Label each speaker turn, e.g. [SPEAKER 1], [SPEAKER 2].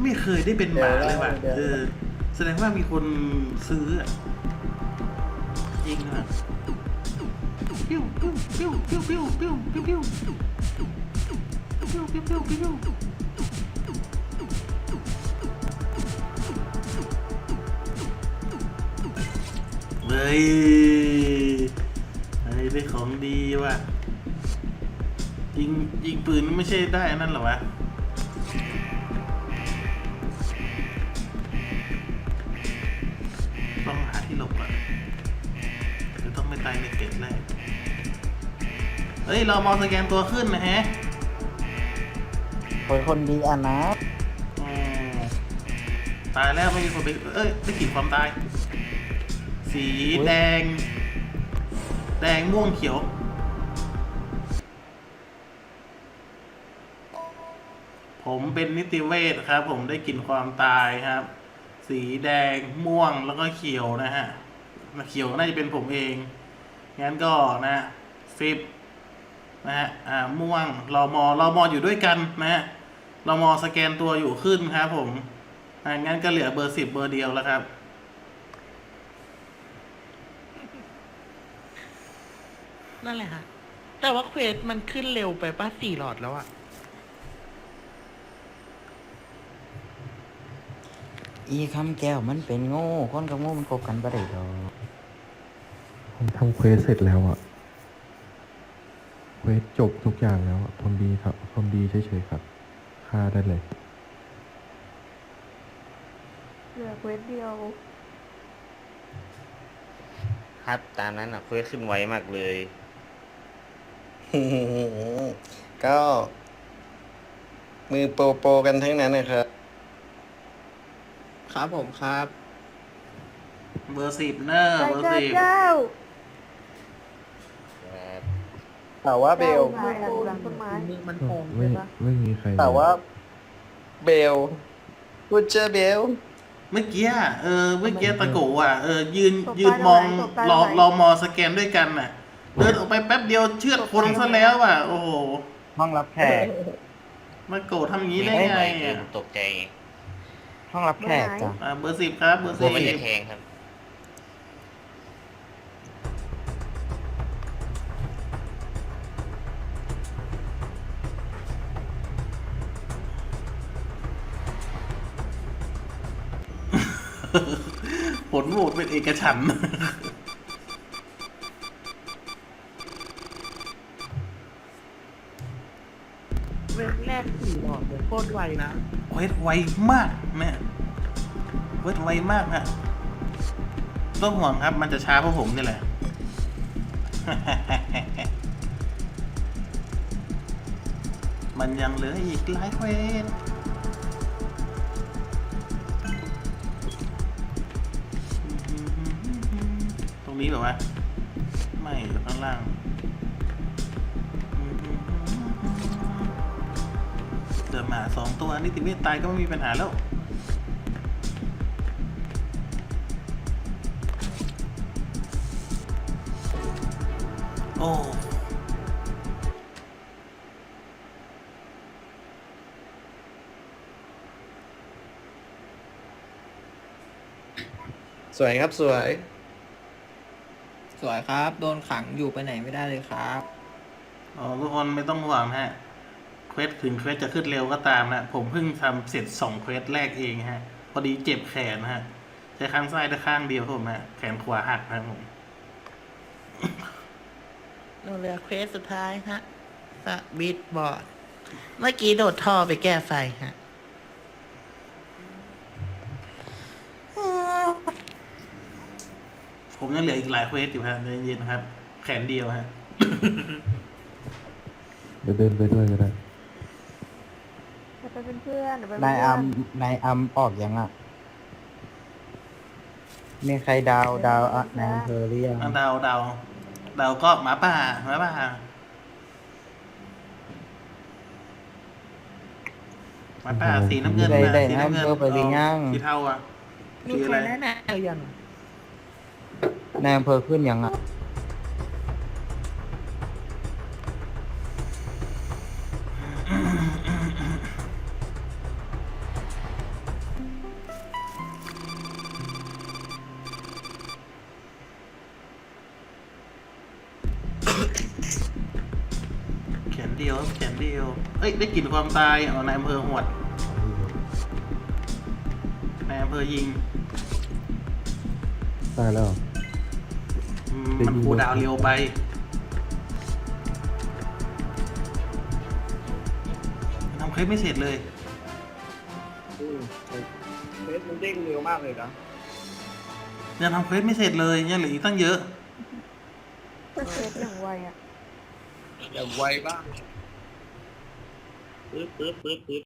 [SPEAKER 1] ไม่เคยได้เป็นหมาเลยว่ะแสดงว่ามีคนซื้อจริงอ่ะปิ้วปิ้วปิ้วปิ้วปิ้วปิ้วปิ้วปิ้วปิ้วปิ้วปิ้วปิ้วเฮ้ยได้ของดีว่ะยิงปืนไม่ใช่ได้นั่นหรอวะต้องหาที่หลบอ่ะจะต้องไม่ตายในเกตแรกเฮ้ยเรามองสแกนตัวขึ้นนะฮะ
[SPEAKER 2] คนดีอ่ะนะ
[SPEAKER 1] ตายแล้วไม่มีคนไปได้กลิ่นความตายสีแดงม่วงเขียวผมเป็นนิติเวชครับผมได้กลิ่นความตายครับสีแดงม่วงแล้วก็เขียวนะฮะเขียวน่าจะเป็นผมเองงั้นก็นะฟิบนะฮะม่วงรอมออยู่ด้วยกันนะฮะรอมอสแกนตัวอยู่ขึ้นครับผมงั้นก็เหลือเบอร์10เบอร์เดียวแล้วครับ
[SPEAKER 3] นั่นแหละค่ะแต่ว่าเควสมันขึ้นเร็วไปป่ะ4 หลอดแล้วอะ
[SPEAKER 2] อีคำแก้วมันเป็นโง่คนกับโง่มันคบกันบ่ได้ดอก
[SPEAKER 4] ผมทำเควสเสร็จแล้วอะเควสจบทุกอย่างแล้วทนดีครับทนดีเฉยๆครับฆ่าได้เลย
[SPEAKER 5] เหลือเควสเดียว
[SPEAKER 6] ครับตามนั้นอ่ะเควสขึ้นไวมากเลย ก็มือโปรกันทั้งนั้นนะครับ
[SPEAKER 3] ครับผมครับ
[SPEAKER 1] เบอร์10เนอร์เบอร์10
[SPEAKER 6] แต่ว่าเบล
[SPEAKER 5] มาจากหลังต้นไม้
[SPEAKER 3] มันโกง
[SPEAKER 4] ไม่มีใคร
[SPEAKER 6] แต่ว่าเบลพูดเจอเบล
[SPEAKER 1] เมื่อกี้เมื่อกี้ตะโกอ่ะยืนมองรอมอสแกนด้วยกันน่ะเดินออกไปแป๊บเดียวเชือดคนซะแล้วอ่ะโอ้โห
[SPEAKER 2] ห้องรับแขก
[SPEAKER 1] มาโกรธทำอย่างนี้ได้ไงอ่ะ
[SPEAKER 6] ตกใจ
[SPEAKER 2] ห้องรับแขกจ้ะ
[SPEAKER 1] เบอร์10ครับเบอร์
[SPEAKER 6] กลัวมันจะ
[SPEAKER 1] 10
[SPEAKER 6] แทงครับ
[SPEAKER 1] ผลโหวตเป็นเอกฉันท์
[SPEAKER 3] เวทแรก4 หลอดเลยโคตรไวนะ
[SPEAKER 1] เวทไวมากเนี่ยเวทไวมากฮะต้องห่วงครับมันจะช้าเพราะผมนี่แหละ มันยังเหลืออีกหลายเควสตรงนี้แบบว่าไม่อยู่ข้างล่างเดินมา2 ตัวนิติเวชตายก็ไม่มีปัญหาแล้วโอ้
[SPEAKER 6] สวยครับสวย
[SPEAKER 7] สวยครับโดนขังอยู่ไปไหนไม่ได้เลยครับ
[SPEAKER 1] ทุกคนไม่ต้องห่วงฮะเควสถึงเควสจะขึ้นเร็วก็ตามนะผมเพิ่งทำเสร็จ2 เควสแรกเองฮะพอดีเจ็บแขนฮะใช้ข้างซ้ายได้ข้างเดียวผมฮะแขนขวาหักนะผม
[SPEAKER 3] เหลือเควสสุดท้ายฮะสวิตช์บอร์ดเมื่อกี้โดดท่อไปแก้ไฟฮะ
[SPEAKER 1] ผมยังเหลืออีกหลายเควสอยู่ฮะใจเย็นๆครับแขนเดียวฮะ
[SPEAKER 4] เดี๋ยวเดินไปด้วยก็ได้
[SPEAKER 5] เดี๋ยวไปเป็นเพื่อนเดี๋ยวไปเป็น
[SPEAKER 2] นาย
[SPEAKER 5] เพื่อน
[SPEAKER 2] นายอัมออกยังอ่ะมีใครดาวอ่ะนายอำเภอหรือยัง
[SPEAKER 1] เดาก็หมาป่าหมาป่าสีน้ำเงิน
[SPEAKER 2] ได้
[SPEAKER 1] สี
[SPEAKER 2] นาย
[SPEAKER 1] น้ำเงิ
[SPEAKER 2] อำเภอไปหรือยัง
[SPEAKER 1] สีเทาอ่ะ
[SPEAKER 3] มี
[SPEAKER 1] สี
[SPEAKER 3] ใค
[SPEAKER 1] อะ
[SPEAKER 3] ร
[SPEAKER 1] ไร
[SPEAKER 3] แนะนำยัง
[SPEAKER 2] นายอำเภอขึ้นยังอ่ะ
[SPEAKER 1] แขนเดียวเอ้ยได้กลิ่นความตายเอานายอำเภอหวดนายอำเภอยิง
[SPEAKER 4] ตายแล้วเหรอ
[SPEAKER 1] มันคูลดาวน์เร็วไปทำเคสไม่เสร็จเลย
[SPEAKER 8] เฟซมันเด้งเร็วมากเลยนะ
[SPEAKER 1] ยังทำเควสไม่เสร็จเลยยังเหลืออีกตั้งเยอะ
[SPEAKER 5] ก็เควสอย่างไวอ่ะ
[SPEAKER 8] อย่างไวบ้างปื๊ด